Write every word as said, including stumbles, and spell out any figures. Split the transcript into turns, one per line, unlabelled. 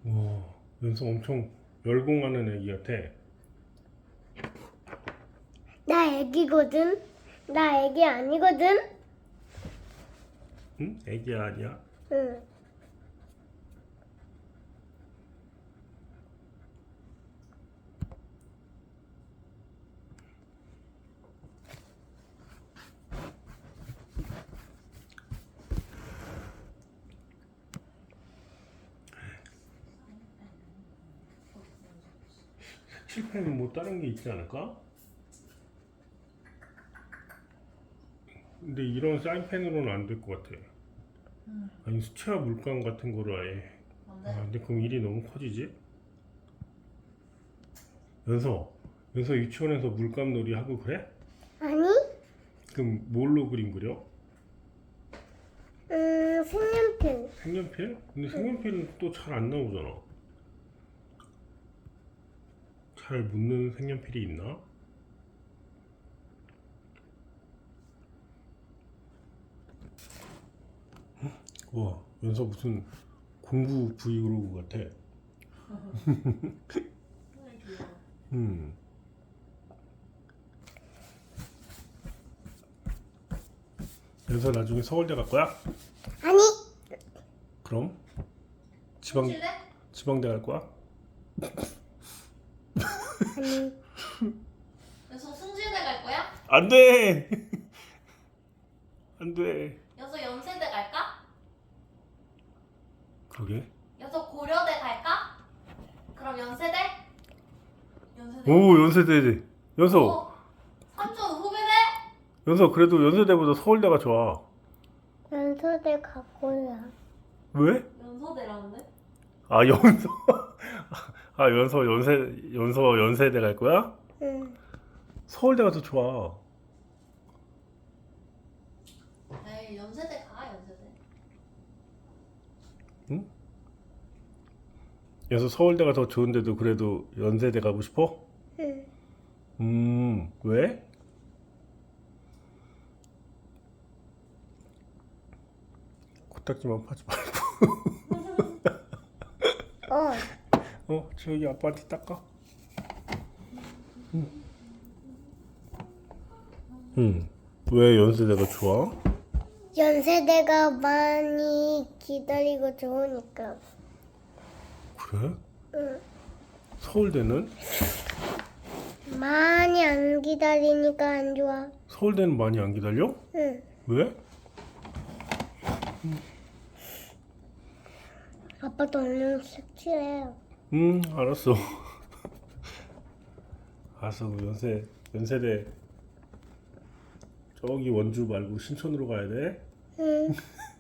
와, 연서 엄청 열공하는 애기 같아.
나 애기거든. 나 애기 아니거든.
응? 애기 아니야?
응.
색칠펜은 뭐 다른 게 있지 않을까? 근데 이런 사인펜으로는 안 될 것 같아.
응.
아니 수채화 물감 같은 거로 아예.
뭔데?
아, 근데 그럼 일이 너무 커지지? 연서, 연서 유치원에서 물감 놀이 하고 그래?
아니?
그럼 뭘로 그림 그려?
음, 색연필.
색연필? 근데 색연필은 또 잘 안 나오잖아. 잘 묻는 색연필이 있나? 우와, 연서 무슨 공부 브이로그 같아.
정말 귀여워.
음. 연서 나중에 서울대 갈 거야?
아니?
그럼? 지방,
칠래?
지방대 갈 거야?
아니.
여기서 승진대 갈 거야?
안 돼! 안 돼.
여기서 연세대 갈까?
그러게.
여기서 고려대 갈까? 그럼 연세대? 연세대.
오, 연세대. 연서,
어? 삼촌 후배대?
연서 그래도 연세대보다 서울대가 좋아.
연소대 가고야.
왜?
연서대라는데?
아, 연서. 아, 연서, 연세, 연서, 연세대 갈 거야?
응.
서울대가 더 좋아.
에이 연세대 가 연세대.
응? 연서 서울대가 더 좋은데도 그래도 연세대 가고 싶어?
응.
음, 왜? 코딱지만 파지 말고.
어.
어, 저기 아빠한테 닦아. 응. 응. 왜 연세대가 좋아?
연세대가 많이 기다리고 좋으니까.
그래?
응.
서울대는?
많이 안 기다리니까 안 좋아.
서울대는 많이 안 기다려?
응.
왜?
아빠도 얼른 색칠해요.
음, 알았어. 알았어. 그럼 연세, 연세대 저기 원주 말고 신촌으로 가야 돼.
응.